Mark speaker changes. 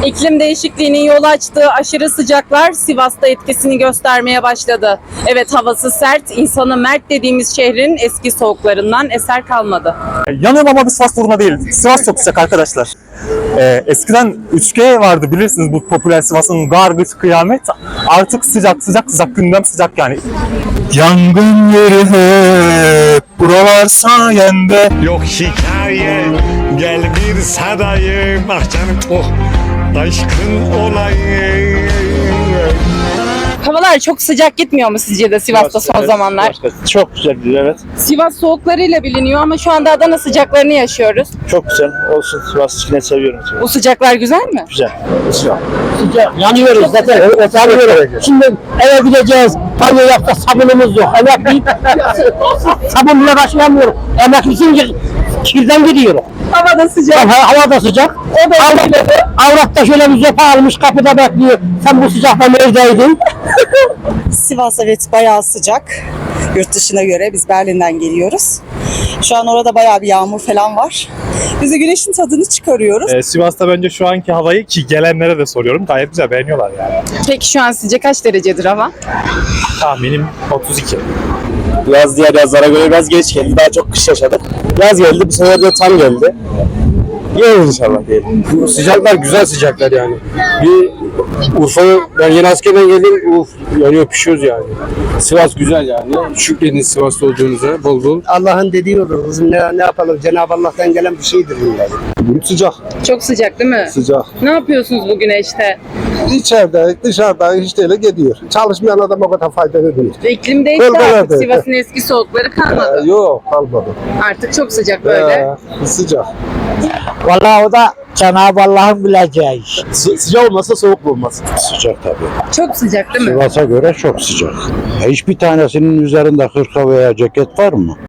Speaker 1: İklim değişikliğinin yol açtığı aşırı sıcaklar Sivas'ta etkisini göstermeye başladı. Evet, havası sert, insanı mert dediğimiz şehrin eski soğuklarından eser kalmadı.
Speaker 2: Yanıyorum ama bir Sivas uğruna değil. Sivas çok sıcak arkadaşlar. Eskiden 3G vardı bilirsiniz, bu popüler Sivas'ın garbage kıyamet. Artık sıcak sıcak sıcak, gündem sıcak yani. Yangın yeri hep buralar sayende.
Speaker 3: Yok hikaye, gel bir sarayım. Ah canım, oh aşkın olayım.
Speaker 1: Havalar çok sıcak gitmiyor mu sizce de Sivas'ta son zamanlar?
Speaker 4: Çok güzel, evet.
Speaker 1: Sivas soğuklarıyla biliniyor ama şu anda Adana sıcaklarını yaşıyoruz.
Speaker 4: Çok güzel. Olsun, Sivas yine seviyorum.
Speaker 1: Bu sıcaklar güzel mi?
Speaker 4: Güzel.
Speaker 5: Yanıyoruz zaten. Evet, yanıyoruz. Şimdi eve gideceğiz. Banyo yapacağız. Sabunumuz yok. Emekliyim. Sabun bile başlayamıyorum. Emeklisin, kirden gidiyorum.
Speaker 1: Hava da sıcak.
Speaker 5: Hava da sıcak. Avrat da şöyle bir zopa almış kapıda bekliyor. Sen bu sıcakta neredeydin?
Speaker 6: Sivas evet bayağı sıcak. Yurt dışına göre biz Berlin'den geliyoruz. Şu an orada bayağı bir yağmur falan var. Biz de güneşin tadını çıkarıyoruz.
Speaker 2: Sivas'ta bence şu anki havayı, ki gelenlere de soruyorum, gayet güzel, beğeniyorlar yani.
Speaker 1: Peki şu an sizce kaç derecedir hava?
Speaker 2: Tahminim 32.
Speaker 4: Yaz diğer yazlara göre biraz geç geldi. Daha çok kış yaşadık. Yaz geldi, bu sefer de tam geldi. Yiyoruz inşallah diyelim.
Speaker 7: Bu sıcaklar güzel sıcaklar yani. Bir Urfa'ya, ben yeni askerden geldim, yanıyor pişiyoruz yani. Sivas güzel yani. Şükredin Sivas'ta olduğunuza bol bol.
Speaker 5: Allah'ın dediği olur. Kızım ne yapalım? Cenab-ı Allah'tan gelen bir şeydir bunlar.
Speaker 7: Sıcak,
Speaker 1: Çok sıcak değil mi?
Speaker 7: sıcak.
Speaker 1: Ne yapıyorsunuz bu güneşte?
Speaker 7: İçeride, dışarıda işte öyle gidiyor. Çalışmayan adam o kadar faydalı değil.
Speaker 1: İklim değişti
Speaker 7: Bölgelerde.
Speaker 1: artık. Sivas'ın eski soğukları kalmadı.
Speaker 7: Yok, kalmadı.
Speaker 1: Artık çok sıcak böyle.
Speaker 7: Sıcak.
Speaker 5: Vallahi o da Cenab-ı Allah'ın bileceği iş.
Speaker 7: Sıcak olmasa soğuk olmaz.
Speaker 8: Sıcak tabii.
Speaker 1: Çok sıcak değil mi?
Speaker 8: Sivas'a göre çok sıcak. Hiçbir tanesinin üzerinde hırka veya ceket var mı?